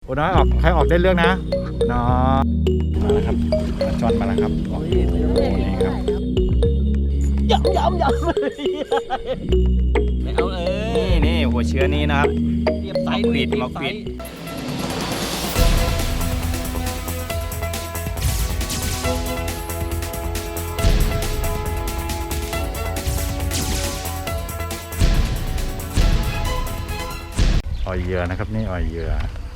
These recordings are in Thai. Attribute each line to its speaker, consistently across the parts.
Speaker 1: อ้น้อยออกใครออกได้เรื่องนะน้อยมาแล้วครับมาจอนมาแล้วครับโอ้โหนี่ครับ
Speaker 2: ย้ำไม่เอา
Speaker 1: นี่หัวเชื้อนี้นะครับ
Speaker 2: เรียบไซส์
Speaker 1: มาควิดอ่อยเหยื่อนะครับนี่อ่อยเหยื่อ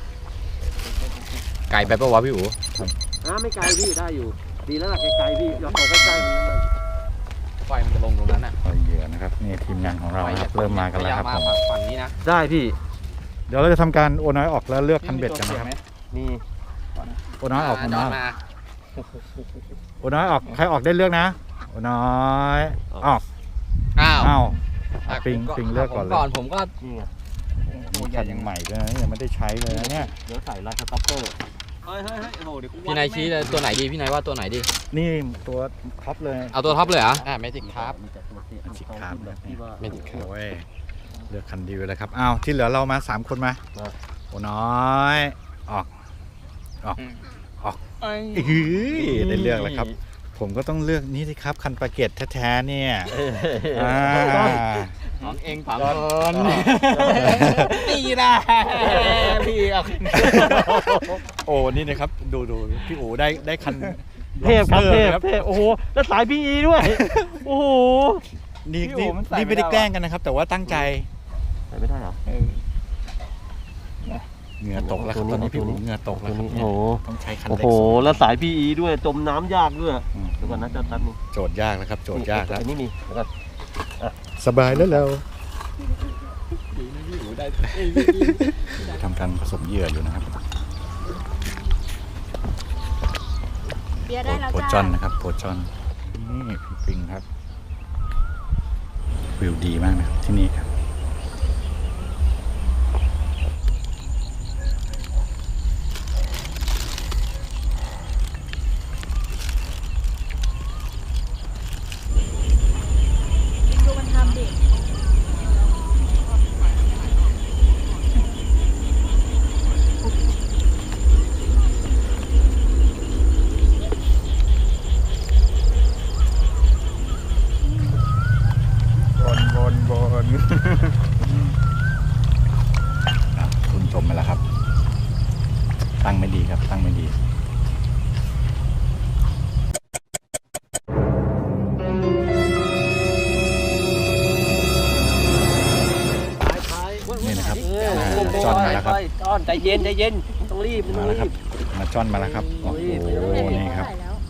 Speaker 1: ไก่ไปปะวะพี่อู๋
Speaker 2: ไม่ไกลพี่ได้อยู่ดีแล้วล่ะไกลๆพี่ย้อนออกใกล้ๆ
Speaker 3: ไฟมันจะลงตรงนั้นน่ะ
Speaker 1: อ่อยเหยื่อนะครับนี่ทีมงานของเราครับเริ่มมากันแล้วครับผม
Speaker 3: ฝั่งนี้นะ
Speaker 2: ได้พี่
Speaker 1: เดี๋ยวเราจะทำการโอน้อยออกแล้วเลือกคันเบ็ดกันนะครับ
Speaker 2: นี่
Speaker 1: โอน้อยออกโอน้อยโอน้อยออกใครออกได้เลือกนะโอน้อยออกอ้าวปิงเลือกก่อนเลย
Speaker 3: ผมก็
Speaker 2: นี่ไง
Speaker 1: ตัวใหญ่ยังใหม่ด้วยนะยังไม่ได้ใช้เลยนะเนี่ย
Speaker 2: เดี๋ยวใส่ลายสต็อปเปอร์เฮ้ยโอ้เดี๋ยว
Speaker 3: พี่นายชี้เลยตัวไหนดีพี่นายว่าตัวไหนดี
Speaker 1: นี่ตัวท็อปเลย
Speaker 3: เอาตัวท็อปเลยเหรอเมจิกครับ
Speaker 1: ชิคครับ
Speaker 3: เมจิกครับ
Speaker 1: โอ้ยเลือกคันดีไปเลยครับอ้าวที่เหลือเรามา3คนมาโอน้อยออกได้เลือกแล้วครับผมก็ต้องเลือกนี่สิครับคันปาเกตแท้ๆเนี่ย
Speaker 3: ของเองผังคนนี่นะพี่เอา
Speaker 1: โอ้นี่นะครับดูพี่โอ๋ได้คัน
Speaker 2: เทพครับเทพโอ้โหแล้วสายพีอีด้วยโอ้โห
Speaker 1: นี่ไม่ได้แกล้งกันนะครับแต่ว่าตั้งใจ
Speaker 2: ใส่ไม่ได้เหรอ
Speaker 1: เหงื่อตกแล้วครับตอนนี้พี่โอ๋เหงื่อตกแล้วครับโอ้ต้องใช้คันเล็ก
Speaker 2: โอ้โหแล้วสายพีอีด้วยจมน้ำยากด้วยเดี๋ยวก่อนนะจัดนึง
Speaker 1: โจทย์ยากแล้วครับโจทย์ยากแล้ว
Speaker 2: นี่มีแล้วก็
Speaker 1: สบายแล้วเราทำการผสมเหยื่ออยู่นะครับโพจอนนะครับโพจอนนี่พี่ปิงครับวิวดีมากนะครับที่นี่ครับ
Speaker 4: ดูมันทำดิ
Speaker 1: บนคุณจมไปแล้วครับตั้งไม่ดีครับตั้งไม่ดีนี่นะครับจอนมาแล้วครับ
Speaker 2: จอนใจเย็นต้องรีบ
Speaker 1: มาแล้วครับมาจอนมาแล้วครับโอ้โหนี่ครับ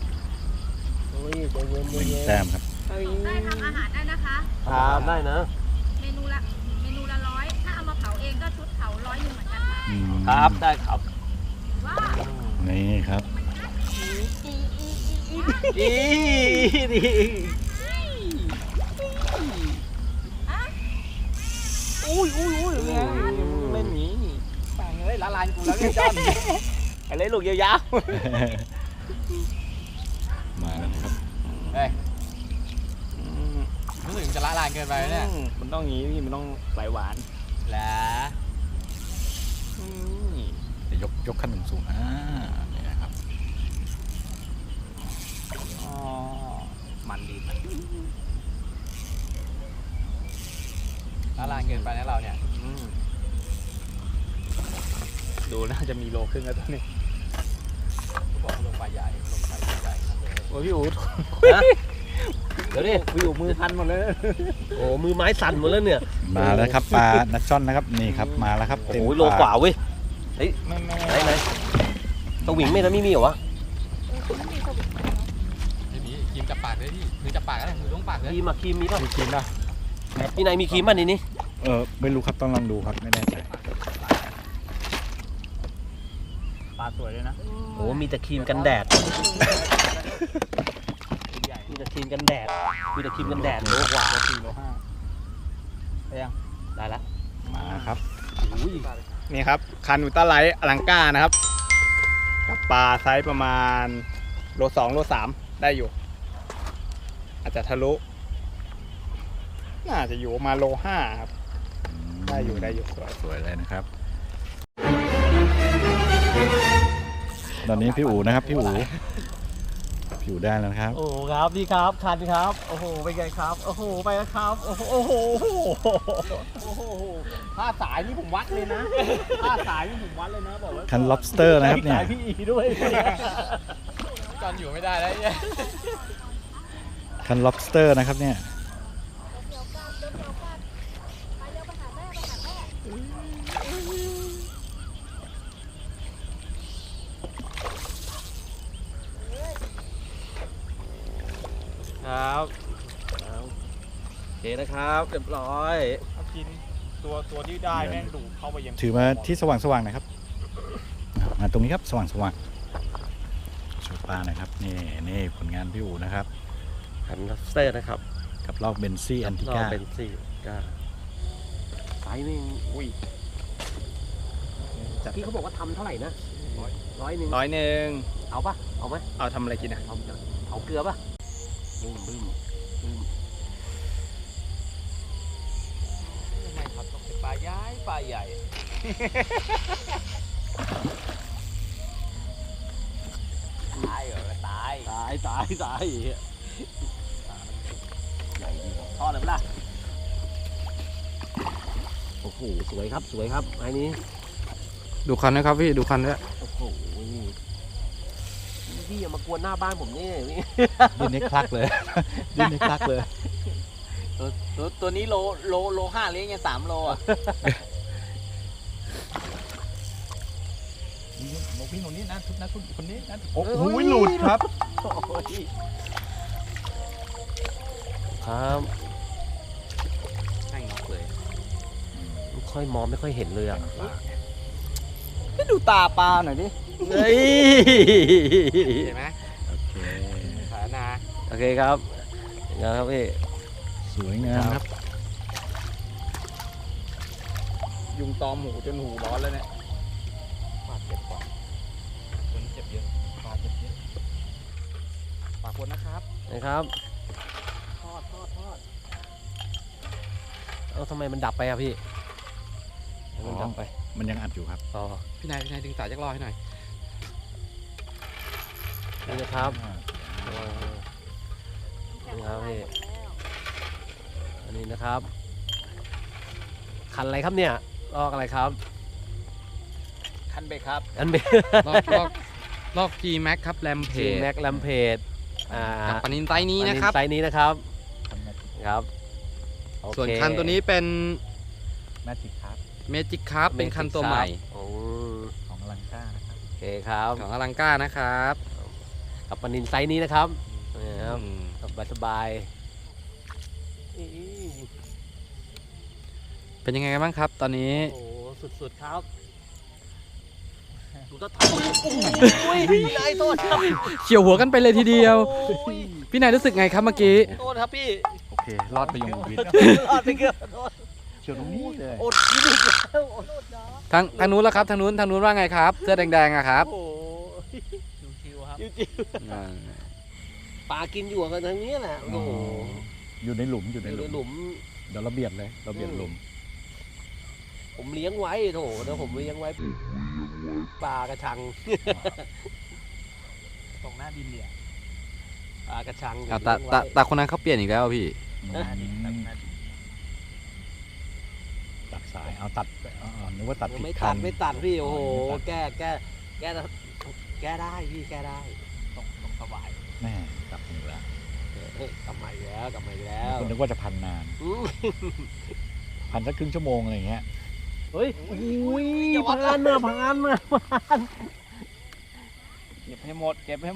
Speaker 1: แต้มครับ
Speaker 4: ได้ทำอาหารได้นะคะ
Speaker 2: ครับได้นะ
Speaker 4: เมนูละ100ถ้าเอามาเผาเองก็ชุดเผา100เหมือนกันค่ะ
Speaker 2: ครับได้ครับ
Speaker 1: นี่ครับ
Speaker 2: ดีอุ้ยเล่นหนี
Speaker 3: ฝั่งเลยละลานกูแล้วเนี่ยจอน
Speaker 2: ไอ้เล่นลูกยาว
Speaker 1: มาแล้วครับ
Speaker 3: รู้สึกจะละลานเกินไปเนี่ย
Speaker 2: มันต้องงี้พี่มันต้องไหลหวาน
Speaker 3: แล้ว
Speaker 1: ยกขั้นสูงนี่นะครับ
Speaker 3: มันดีละลานเกินไปนะเราเนี่ย
Speaker 2: ดูน่าจะมีโลครึ่งแล้วตอนนี้
Speaker 3: บอกลงไปใหญ่
Speaker 2: โอ้พี่อู๋เดี๋ยวดิพี่อู๋มือพันหมดเลยโอ้มือไม้สั่นหมดแล้วเนี่ย
Speaker 1: มาแล้วครับปลานัชช่อนนะครับนี่ครับมาแล้วครับ
Speaker 2: โอ้โหโลกว่าเว้ยเฮ้ยไหนตัวหวิงไม่แล้วมีเหรอวะ
Speaker 3: ไม่มีครีมจับปากเลยพี่มือจับปากก็ได้มือต้องปากเลย
Speaker 2: ครีมมีป่ะ
Speaker 1: มีครีมป่ะ
Speaker 2: พี่นายมีครีมป่ะนี่
Speaker 1: ไม่รู้ครับต้องลองดูครับไม่แน่ใจ
Speaker 2: ปลาสวยเลยนะโอ้มีแต่ครีมกันแดดมีแต่ครีมกันแดดโลกว่า
Speaker 3: โล5ได้ยัง
Speaker 2: ได้แล้ว
Speaker 1: มาครับ
Speaker 5: นี่ครับคันอุลตร้าไลท์อลังก้านะครับกับปลาไซส์ประมาณโล2โล3ได้อยู่อาจจะทะลุน่าจะอยู่ประมาณโล5ครับได้อยู่
Speaker 1: สวยเลยนะครับตอนนี้พี่อู๋นะครับพี่อู๋ได้แล้วนะครับ
Speaker 5: โอ้ครับนี่ครับคันครับโอ้โหเป็นไงครับโอ้โหไปแล้วครับโอ้โหโอ้โหโอ้โหผ้าสายนี่ผมวัดเลยนะผ้าสายนี่ผมวัดเลยนะบอกว่า
Speaker 1: คัน lobster นะครับเนี่ย
Speaker 5: สายพี่อีด้วยจอนอยู่ไม่ได้แล้วเนี่ย
Speaker 1: คัน lobster นะครับเนี่ย
Speaker 2: ครับโอเคนะครับเรียบร้อย
Speaker 5: กินตัวที่ได้แม่งดูเข้าไปยัง
Speaker 1: ถือมาที่สว่างๆหนะครับมาตรงนี้ครับสว่างโชว์ปลาหนะครับนี่ผลงานพี่อู๋นะครับ
Speaker 2: คันลับสเตอร์นะครับ
Speaker 1: กับลอกเบนซี่แอนติ
Speaker 2: รอ
Speaker 1: ก้า
Speaker 2: เป็นสี่ก้าไซส์นี่อุ้ยพี่เขาบอกว่าทำเท่าไหร่นะ100
Speaker 5: 100
Speaker 2: เอาปะเอาไหม
Speaker 5: เอาทำอะไรกินอ่ะ
Speaker 2: เอาเกลือปะบึ้ม
Speaker 5: ทำไมครับต้องเป็นปลาใหญ่ปลาใหญ่ ตายเหรอตาย
Speaker 2: ตายใหญ่ดีกว่าทอดเลยปะล่ะโอ้โหสวยครับไอ้นี้
Speaker 3: ดูคันนะครับพี่ดูคันด้วย
Speaker 2: โอ้โหพี่อย่ามากวนหน้าบ้านผมนี่พี่
Speaker 1: ดิ้นให้คลักเลย ดิ้นให้คลักเลย
Speaker 5: ตัวนี้โล5เลี้ยงยัง3 โลอ่ะ
Speaker 1: โมพี่คนนี้นะทุกนะคนนี้นะโอ้โหหลุดครับ
Speaker 2: โอ้ยครับ
Speaker 5: ให้งอกเลย
Speaker 2: ไม่ค่อยมองไม่ค่อยเห็นเลยอ่ะ
Speaker 5: ไม่ดูตาปลาหน่อยดิ
Speaker 2: เฮ้ย
Speaker 5: เห็นไหม
Speaker 1: โอเค
Speaker 5: ขานา
Speaker 2: โอเคครับนะครับพี่
Speaker 1: สวยงามครับ
Speaker 5: ยุงตอมหูจนหูร้อนแล้วเนี่ยปลาเจ็บกว่าคนเจ็บเยอะปลาเจ็บเยอะปลาคนนะครับ
Speaker 2: นะครับทอดเอาทำไมมันดับไปอ่ะพี่มันดับไป
Speaker 1: มันยังอัดอยู่ครับ
Speaker 2: อ๋อ
Speaker 3: พี่นายดึงสายจักรรอให้หน่อย
Speaker 2: นี่นะครับนี่ครับพี่อันนี้นะครับคันอะไรครับเนี่ยลอกอะไรครับ
Speaker 5: คันเบรกครับ
Speaker 2: อันเบ
Speaker 3: ลอก G Max ครับแรมเพ
Speaker 2: จี
Speaker 3: จ
Speaker 2: แม็กลัมเพจ
Speaker 3: กับปลานินไซส์นี้นะครับ
Speaker 2: ไซส์นี้นะครับครับโอเค
Speaker 3: ส่วนคันตัวนี้เป็น
Speaker 1: แมจิกครับ
Speaker 3: เมจิกครับเป็นคันตัวใหม่
Speaker 2: โอ้
Speaker 1: ของอลังก้านะครับ
Speaker 2: โอเคครับ
Speaker 3: ของอลังก้านะครับ
Speaker 2: กับปลานินไซส์นี้นะครับนี่ครับ
Speaker 3: อืม
Speaker 2: สบาย
Speaker 3: เป็นยังไงกันบ้างครับ ตอนนี้
Speaker 2: ๆโอ้สุดๆครับดูตะทอยโอ้ยนายโทษครับ
Speaker 3: เฉียวหัวกันไปเลยทีเดียว
Speaker 2: โอ้ย
Speaker 3: พี่นายรู้สึกไงครับเมื่อกี้
Speaker 2: โทษครับพี่
Speaker 1: โอเครอดไปยงวิทย์
Speaker 2: รอดไปเกือบโทษ
Speaker 1: เชียวตรงนี้เลย
Speaker 2: อดกินอีกแล้วโอ้โทษนะ
Speaker 3: ทางนู้นแล้วครับทางนู้นว่าไงครับ เสื้อแดงๆอะครับ
Speaker 2: โอ้โห
Speaker 5: ชิวๆครับ
Speaker 2: จิ้วๆปลากินอยู่กันทางนี้แหละโอ้โห
Speaker 1: อยู่ในหลุมอยู่
Speaker 2: อ
Speaker 1: ใน
Speaker 2: ยู่
Speaker 1: ห
Speaker 2: ใน
Speaker 1: ลุม
Speaker 2: หลุม
Speaker 1: เดี๋ยวเราเบียดเลยเราเบียดหลุม
Speaker 2: ผมเลี้ยงไว้โถเดี๋ยวผมเลี้ยงไว้ปลากระชัง
Speaker 5: ตรงหน้าดินเนี่ย
Speaker 2: ปลากระชัง
Speaker 3: อ่ะ
Speaker 2: ผมเลี้ยงไว้
Speaker 3: แต่คนนั้นเขาเปลี่ยนอีกแล้วพี่
Speaker 5: หน้าดินตัดหน้าดิน
Speaker 1: ตัดสายเอาตัดนึกว่าตัดผิด
Speaker 2: ไม่
Speaker 1: คั
Speaker 2: ตั
Speaker 1: น
Speaker 2: ดไม่ตัดพี่โอ้โห
Speaker 1: ไม่ตัด
Speaker 2: แก้ได้พี่แก้ได้
Speaker 5: ตรงสบาย
Speaker 1: แม่กลับอยู่แล้ว
Speaker 2: เฮ้ยกลับมาอีกแล้ว
Speaker 1: คุณนึกว่าจะพันนาน
Speaker 2: อืม
Speaker 1: พันสักครึ่งชั่วโมงอะไรอย่างเงี้ย
Speaker 2: เฮ้ยอุ้ยพานมา
Speaker 5: เก็บให้หมด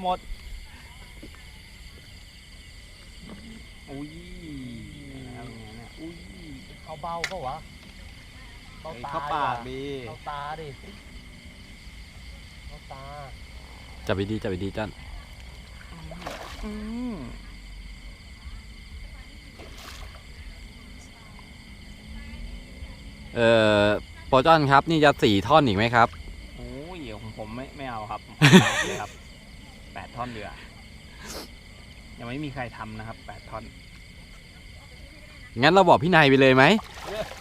Speaker 5: อุ้ยอุ้ยเอาเบาก็วะเข้าปากดี
Speaker 2: เข้าตาดิเข้าตา
Speaker 3: จับดีจันโปรจอนครับนี่จะ4 ท่อนอีกไหมครับ
Speaker 5: โอ้ยของผมไม่เอาครับเลยครับ8 ท่อนเดือยังไม่มีใครทำนะครับ8 ท่อน
Speaker 3: งั้นเราบอกพี่นายไปเลยไหม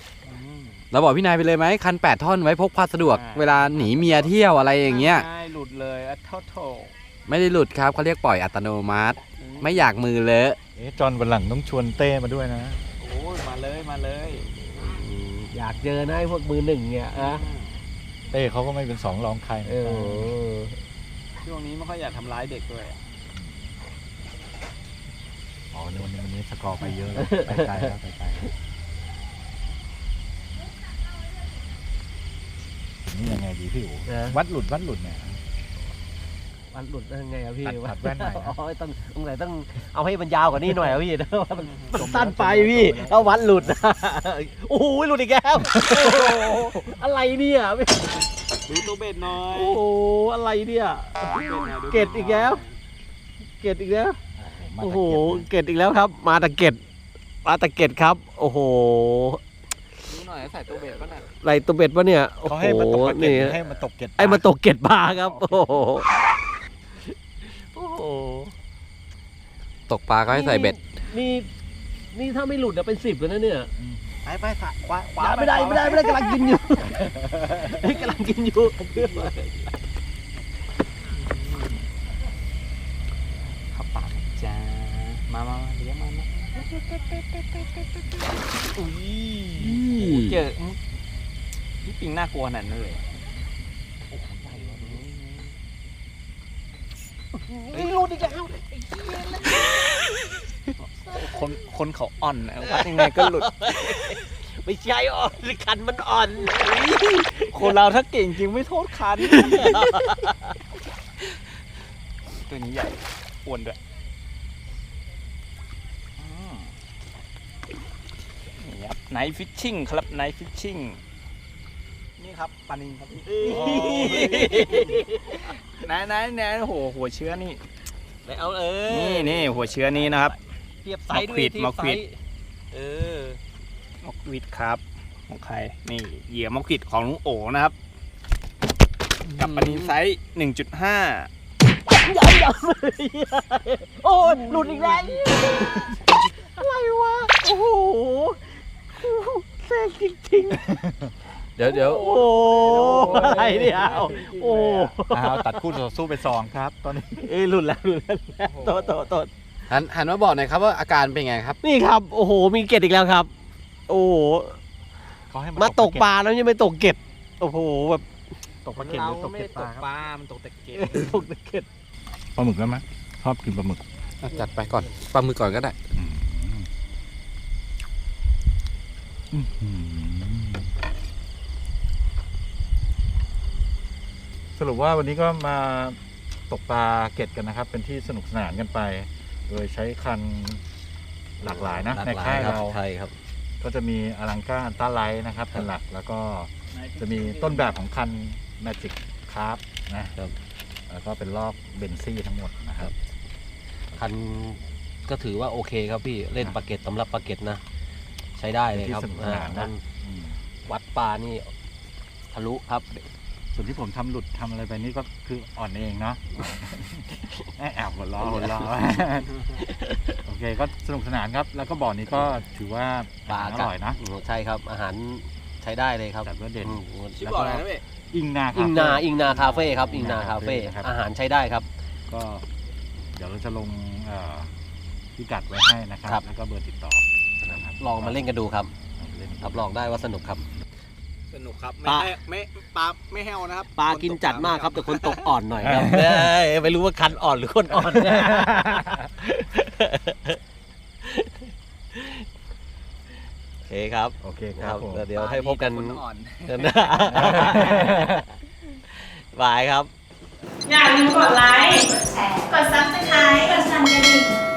Speaker 3: เราบอกพี่นายไปเลยไหมคัน8 ท่อนไว้พกพาสะดวก เวลาหนีเมียเที่ยวอะไรอย่างเงี้ย
Speaker 5: ใช่หลุดเลยอะโท
Speaker 3: ไม่ได้หลุดครับเขาเรียกปล่อยอัตโนมัติ ไม่อยากมือเลอะ
Speaker 1: จอนวันหลังต้องชวนเต้มาด้วยนะ
Speaker 5: โอ้ยมาเลย
Speaker 2: อยากเจอนะไอ้พวกมือหนึ่งเนี่ยอะ
Speaker 1: เต้เขาก็ไม่เป็นสองรองใคร
Speaker 5: ช่วงนี้ไม่ค่อยอยากทำร้ายเด็กด้วย
Speaker 1: อ๋อวันนี้สกอร์ไปเยอะแล้วไปไกลแล้วนี่ยังไงดีพี่อู๋วัดหลุดเนี่ย
Speaker 2: มันหลุดได้ยังไงอะพี่
Speaker 1: ตัดแว่นใหม่นะ
Speaker 2: อ๋อต้องเอาให้มันยาวกว่านี้หน่อยอะพี่มันสั้นไปพี่เอาวัดหลุดโอ้โหหลุดอีกแล้วอะไรเนี่ย
Speaker 5: ดูตัวเบ็ดหน่อย
Speaker 2: โอ้โหอะไรเนี่ยเกตอีกแล้วโอ้โหเกตอีกแล้วครับ มาตะเกตครับโอ้โห
Speaker 5: ดูหน่อยใส่ตัวเบ็ดป่ะน่ะ
Speaker 2: ไรตัวเบ็ดวะเนี่ยโอ้
Speaker 1: เขา
Speaker 2: โห
Speaker 1: ให้มาตกเก็
Speaker 2: นี่
Speaker 1: ตให้มาตกเก็ต
Speaker 2: ไอ้มาตกเกตบาร์ครับโอ้โห
Speaker 3: ตกปลาก็ให้ใส่เบ็ด
Speaker 2: นี่ถ้าไม่หลุดเป็น10แล้วนะเนี่ย
Speaker 5: ไปขวา
Speaker 2: ไม่ได้กำลังกินอยู่
Speaker 5: ขับปากจ้ามาเลี้ยงมันอุ้ยเจอนี่ปิงน่ากลัวขนาดนั้นเลยหลุดอีกแล้วคนเขาอ่อนนะวัดยังไงก็หลุด
Speaker 2: ไม่ใช่อ่อนคันมันอ่อน
Speaker 5: คนเราถ้าเก่งจริงไม่โทษคันตัวนี้ใหญ่อ้วนด้วยนี่ครับไนท์ฟิชชิ่งครับไนท์ฟิชชิ่งนี่ครับปลานิลครับไหนโหหัวเชื้อนี่
Speaker 2: เอา
Speaker 5: นี่หัวเชื้อนี้นะครับ
Speaker 2: เทียบไซส์ด้วย
Speaker 5: มอควิด
Speaker 2: ม
Speaker 5: มอควิดครับของใครนี่เหยื่อมอควิดของลุงโอนะครับกับปลานิลไซส์ 1.5
Speaker 2: โอ้ยหลุดอีกแล้วอะไรวะโอ้โหแซ่จริง
Speaker 3: เดี๋ยว
Speaker 2: ๆโอ้อะไรเนี่ยโอ้
Speaker 1: ตัดคู่ต่อสู้ไป2ครับตอนนี้
Speaker 2: หลุดแล้วโต
Speaker 3: หันมาบอกหน่อยครับว่าอาการเป็นไงครับ
Speaker 2: นี่ครับโอ้โหมีเกตอีกแล้วครับ โอ้โห
Speaker 1: เขาให้
Speaker 2: มาตกปลาแล้วยังไม่ตกเกตโอ้โหแบบ
Speaker 1: ตกปลาเก็ตหรือตกเก็ตปลาครับ
Speaker 5: มันตกแต่เกต
Speaker 2: ตกเกต
Speaker 1: ปลาหมึกแล้วไหมชอบกินปลาหมึก
Speaker 3: จัดไปก่อนปลามือก่อนก็ได้
Speaker 1: สรุปว่าวันนี้ก็มาตกปลาเก็ตกันนะครับ เป็นที่สนุกสนานกันไป โดยใช้คันหลากหลายนะในค่ายเรา
Speaker 2: ใช่ครับ
Speaker 1: ก็จะมีอลังก้าอันต้าไลท์นะครับเป็นหลักแล้วก็จะมีต้นแบบของคัน Magic Carp นะครับ แล้วก็เป็นลอกเบนซี่ทั้งหมดนะครับ
Speaker 2: คันก็ถือว่าโอเคครับพี่เล่นปลาเก็ตสำหรับปลาเก็ตนะ ใช้ได้เลยครับ
Speaker 1: ที่สนุกสนานนะ
Speaker 2: วัดปลานี่ทะลุครับ
Speaker 1: ส่วนที่ผมทำหลุดทำอะไรไปนี่ก็คืออ่อนเองเนาะ แอบหัวล้อ โอเคก็สนุกสนานครับ แล้วก็บ่อนี้ก็ถือว่า
Speaker 2: ปลา
Speaker 1: อร่อยนะ
Speaker 2: ใช่ครับ อาหารใช้ได้เลยครับ
Speaker 1: จัดว่าเด่น
Speaker 5: ชื่อบ่ออะไรนะเว้ย
Speaker 1: อิงนา
Speaker 2: อิงนาคาเฟ่ครับอิงนาคาเฟ่
Speaker 1: ครับ
Speaker 2: อาหารใช้ได้ครับ
Speaker 1: ก็เดี๋ยวเราจะลงพิกัดไว้ให้นะครับ
Speaker 2: ครับ
Speaker 1: แล้วก็เบอร์ติดต่อนะครับ
Speaker 2: ลองมาเล่นกันดูครับ
Speaker 1: เล่น
Speaker 2: รับรองได้ว่าสนุกครับ
Speaker 5: สนุกครับ
Speaker 2: ปลา
Speaker 5: ปลาไม่แห้วนะครับ
Speaker 2: ปลากินจัดมากครับแต่คนตกอ่อนหน่อยครับไม่รู้ว่าคันอ่อนหรือคนอ่อนโอเคครับ
Speaker 1: โอเคครับผม
Speaker 2: เดี๋ยวให้พบกัน
Speaker 5: คนอ่อน
Speaker 2: บายครับ
Speaker 4: อย่าลืมกดไลค์ กดแชร์ กด Subscribe กดสั่นกระดิ่ง